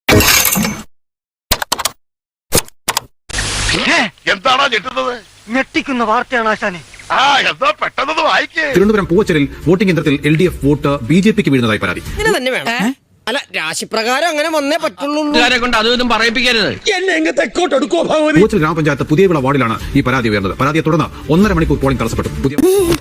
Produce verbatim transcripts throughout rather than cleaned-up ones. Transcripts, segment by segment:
എന്താണോ ഞെട്ടുന്നത്? ഞെട്ടിക്കുന്ന വാർത്തയാണ് ആശാനെ. ആ എന്താ പെട്ടെന്ന് വായിക്കേ. തിരുവനന്തപുരം പൂവച്ചലിൽ വോട്ടിംഗ് യന്ത്രത്തിൽ L D F vote B J പിക്ക് വീഴുന്നതായി പരാതി. ഇങ്ങനെ തന്നെ വേണം. അല്ല, രാശിപ്രകാരം അങ്ങനെ വന്നേ പറ്റുള്ളൂ. കൊണ്ട് അതൊന്നും പറയിപ്പിക്കരുത്. പൂവച്ചൽ ഗ്രാമപഞ്ചായത്ത് പുതിയവിള വാർഡിലാണ് ഈ പരാതി ഉയർന്നത്. പരാതിയെ തുടർന്ന് ഒന്നര മണിക്കൂർ പോളിംഗ് തടസ്സപ്പെട്ടു. പുതിയ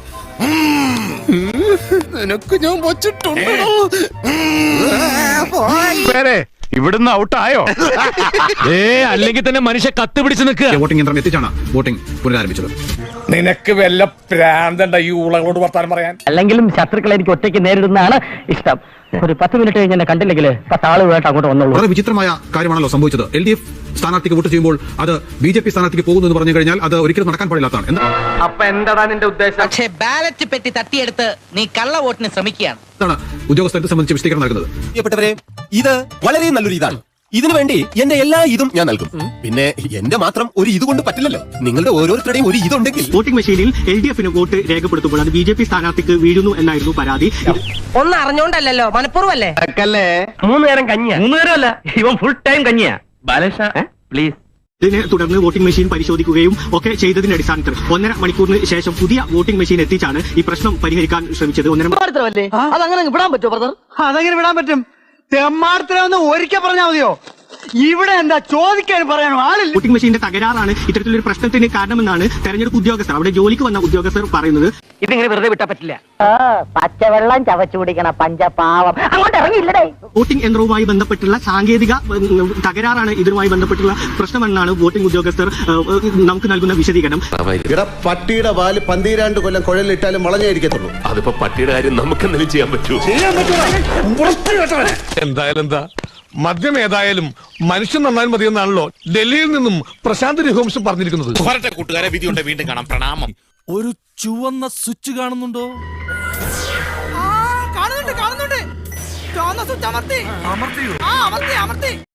ഇവിടുന്ന് ഔട്ടായോ? ഏ അല്ലെങ്കിൽ തന്നെ മനുഷ്യ കത്ത് പിടിച്ച് നിൽക്കുക. വോട്ടിംഗ് യന്ത്രം എത്തിച്ചാണ് വോട്ടിംഗ് പുനരാരംഭിച്ചത്. നിനക്ക് വല്ല പ്രാന്തണ്ട ഈ ഊളകളോട് വർത്താനം പറയാൻ? അല്ലെങ്കിലും ശത്രുക്കളെ എനിക്ക് ഒറ്റയ്ക്ക് നേരിടുന്നതാണ് ഇഷ്ടം. ഒരു പത്ത് മിനിറ്റ് കഴിഞ്ഞ് എന്നെ കണ്ടില്ലെങ്കിൽ പത്ത് ആളുകളായിട്ട് അങ്ങോട്ട് വന്നോളൂ. വളരെ വിചിത്രമായ കാര്യമാണല്ലോ സംഭവിച്ചത്. എൽ ഡി എഫ് സ്ഥാനാർത്ഥിക്ക് വോട്ട് ചെയ്യുമ്പോൾ അത് ബി ജെ പി സ്ഥാനാർത്ഥിക്ക് പോകുന്നു എന്ന് പറഞ്ഞു കഴിഞ്ഞാൽ അത് ഒരിക്കലും നടക്കാൻ പാടില്ലാത്തതാണ്. അപ്പൊ എന്താ നിന്റെ ഉദ്ദേശം? പക്ഷേ ബാലറ്റ് പെട്ടി തട്ടിയെടുത്ത് നീ കള്ള വോട്ടിന് ശ്രമിക്കുകയാണ്. ഇതാണ് ഉദ്യോഗസ്ഥരെ സംബന്ധിച്ച് വിശദീകരണം നൽകുന്നത്. പ്രിയപ്പെട്ടവരെ, ഇത് വളരെ നല്ലൊരു ഇതാണ്. ഇതിനു വേണ്ടി എന്റെ എല്ലാ ഇതും ഞാൻ നൽകും. പിന്നെ എന്റെ മാത്രം ഒരു ഇത് കൊണ്ട് പറ്റില്ലല്ലോ. നിങ്ങളുടെ ഓരോരുത്തരുടെയും ഒരു ഇതുണ്ടെങ്കിൽ. വോട്ടിംഗ് മെഷീനിൽ എൽ ഡി എഫിന് വോട്ട് രേഖപ്പെടുത്തുമ്പോൾ അത് ബി ജെ പി സ്ഥാനാർത്ഥിക്ക് വീഴുന്നു എന്നായിരുന്നു പരാതി. ഒന്നും അറിഞ്ഞോണ്ടല്ലോ, മനഃപൂർവ്വല്ലേ? മൂന്ന് നേരം കഞ്ഞിയാ. മൂന്ന് നേരമല്ല, ഇവൻ ഫുൾ ടൈം കഞ്ഞിയാ. ബാലകൃഷ്ണ പ്ലീസ്. ഇതിനെ തുടർന്ന് വോട്ടിംഗ് മെഷീൻ പരിശോധിക്കുകയും ഒക്കെ ചെയ്തതിന്റെ അടിസ്ഥാനത്തിൽ ഒന്നര മണിക്കൂറിന് ശേഷം പുതിയ വോട്ടിംഗ് മെഷീൻ എത്തിച്ചാണ് ഈ പ്രശ്നം പരിഹരിക്കാൻ ശ്രമിച്ചത്. ഒന്നര അതങ്ങനെ വിടാൻ പറ്റുമോ ബ്രദർ? അതെങ്ങനെ വിടാൻ പറ്റും? തെമ്മാർത്തരൊന്ന് ഒരിക്കൽ പറഞ്ഞാൽ മതിയോ? ഇവിടെ എന്താ ചോദിക്കാൻ പറയാനോ ആളില്ല. വോട്ടിംഗ് മെഷീന്റെ തകരാറാണ് ഇത്തരത്തിലൊരു പ്രശ്നത്തിന് കാരണമെന്നാണ് തെരഞ്ഞെടുപ്പ് ഉദ്യോഗസ്ഥർ, അവിടെ ജോലിക്ക് വന്ന ഉദ്യോഗസ്ഥർ പറയുന്നത്. ഇതിങ്ങനെ വെറുതെ വിട്ടാ പറ്റില്ല. പച്ചവെള്ളം ചവച്ചു കുടിക്കണ പഞ്ചപാവം അങ്ങോട്ട് ഇറങ്ങിയില്ലടേ. വോട്ടിംഗ് യന്ത്രവുമായി ബന്ധപ്പെട്ടുള്ള സാങ്കേതിക ഉം, തകരാറാണ് ഇതിനുമായി ബന്ധപ്പെട്ടുള്ള പ്രശ്നമെന്നാണ് വോട്ടിംഗ് ഉദ്യോഗസ്ഥർ ഏഹ്, നമുക്ക് നൽകുന്ന വിശദീകരണം. പട്ടിയുടെ വാല് പന്തീരാണ്ട് കൊല്ലം കുഴലിട്ടാലും വളഞ്ഞായിരിക്കത്തുള്ളൂ. അതിപ്പോ പട്ടിയുടെ കാര്യം നമുക്ക് എന്തെങ്കിലും ചെയ്യാൻ പറ്റൂ? എന്തായാലും എന്താ, മദ്യം ഏതായാലും മനുഷ്യൻ നന്നായി മതിയെന്നാണല്ലോ ഡൽഹിയിൽ നിന്നും പ്രശാന്ത് രഘുവംശം പറഞ്ഞിരിക്കുന്നത്. കൂട്ടുകാരെ, വിധിയുണ്ട്. വീണ്ടും കാണാം. പ്രണാമം. ഒരു ചുവന്ന സ്വിച്ച് കാണുന്നുണ്ടോ? കാണുന്നുണ്ട് കാണുന്നുണ്ട്. ചുവന്ന സ്വിച്ച് അമർത്തി. അമർത്തി അമർത്തി